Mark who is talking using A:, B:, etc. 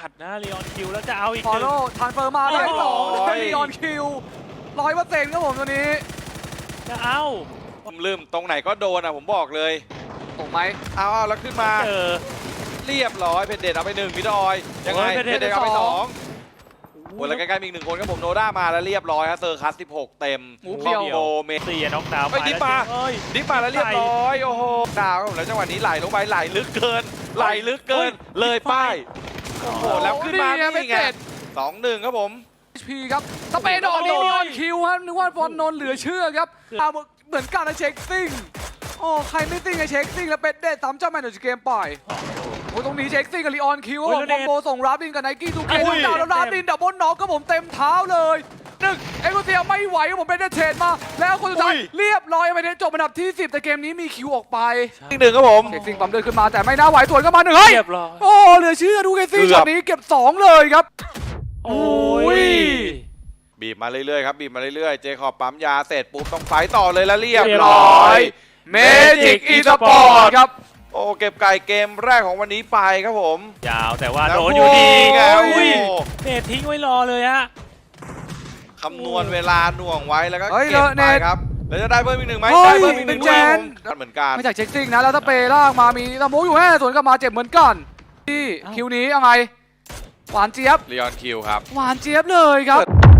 A: จัดนะลีออนคิวแล้วจะเอาอีก
B: ฟอ
A: ห
B: ล
A: นึ่
B: โล่
A: ง
B: ทานเฟอร์มาได้สอง
A: โอ้โห
B: ได้ลีออนคิว100%ครับผมตัวนี้
A: จะเอา
C: ผมลืมตรงไหนก็โดนอ่ะผมบอกเลย
B: ถูกไหม
C: เอาแล้วขึ้นมา
A: เจอ
C: เรียบร้อยเพนเดตเอาไป1มิดออยยังไง
A: โอ้ย
C: เพ
A: เพ
C: น
A: น
C: เด
A: เด
C: ต
A: ต
C: เอาไป
B: สอง
C: 2โอ้แล้วใกล้ๆมีอีก1คนครับผมโนด้ามาแล้วเรียบร้อยฮะเซอร์คัส16เต็ม
B: หมูเพียว
C: คอมโบเม
A: 4น็อกดาวน์
C: เฮ้ยดิฟมา
A: เอ้ย
C: ดิฟมาแล้วเรียบร้อยโอ้โหดาวครับผมแล้วจังหวะนี้ไหลลงไปไหลลึกเกินไหลลึกเกินเลยป้ายโอ้โหแล้วขึ้นมา
B: นี่ไง
C: นี่ไง
B: เป็นเจ็ด
C: 2-1ครับผม
B: HP ครับสเปนดอกลีออนคิวครับนึกว่าฟอนนนท์เหลือเชื่อครับเหมือนกันนะเช็คซิ่งโอ้ใครไม่ซิ่งไอเช็คซิ่งแล้วเป็นเด็ด3เจ้าแมนจากเกมปล่อยโอ้ตรงนี้เช็คซิ่งกับลีออนคิวผมคอมโบส่งรับดินกับไนกี้ทูเกนดาวแล้วรับดินดับเบิลน็อกก็ผมเต็มเท้าเลย1เอ็กโคเทียไม่ไหวครับผมเป็นเดเทรดมาแล้วคนสุดท้ายเรียบร้อยไปเดนจบอันดับที่10แต่เกมนี้มีคิวออกไป
C: อีก1ครับผม
B: เช็คซิ่งปั๊มเดินขึ้นมาแต่ไม่น่าไหวสวนก็มา1เฮ้ย
A: เรียบร้อย
B: โอ้เหลือเชื่อดูเกซิ่งช็อตนี้เก็บ2เลยครับ
A: โอ้ย
C: บีบมาเรื่อยๆครับบีบมาเรื่อยๆเจคอบปั๊มยาเสร็จปุ๊บต้องไฟต่อเลยแล้วเรียบร้อยเมจิกอีสปอร์ต
B: ครับ
C: โอ้เก็บไก่เกมแรกของวันนี้ไปครับผม
A: ยาวแต่ว่า
C: แล้ว
A: โดนอยู่ดีไง
C: โอ้ย
A: อุ้ยเนททิ้งไว้รอเลยฮะ
C: คำนวณเวลาหน่วงไว้แล้วก็
B: เฮ้ย
C: เก็บ
B: เน
C: ไป
B: ท
C: ครับแล้วจะได้เพิ่มอีก1ไหม
B: เฮ้ย
C: ได้เพิ่มอีก1
B: เป็น
C: ด้วย
B: แจ
C: ครั
B: น
C: บผมเหมือนกัน
B: ไม่จากเช็คซิ่งนะแล้วถ้าเปล่างมามีตะมูอยู่แค่สวนกลับมาเจ็บเหมือนกันที่คิวนี้ยังไงหวานเจี๊ยบ
C: ลีออนคิวครับ
B: หวานเจี๊ยบเลยครับ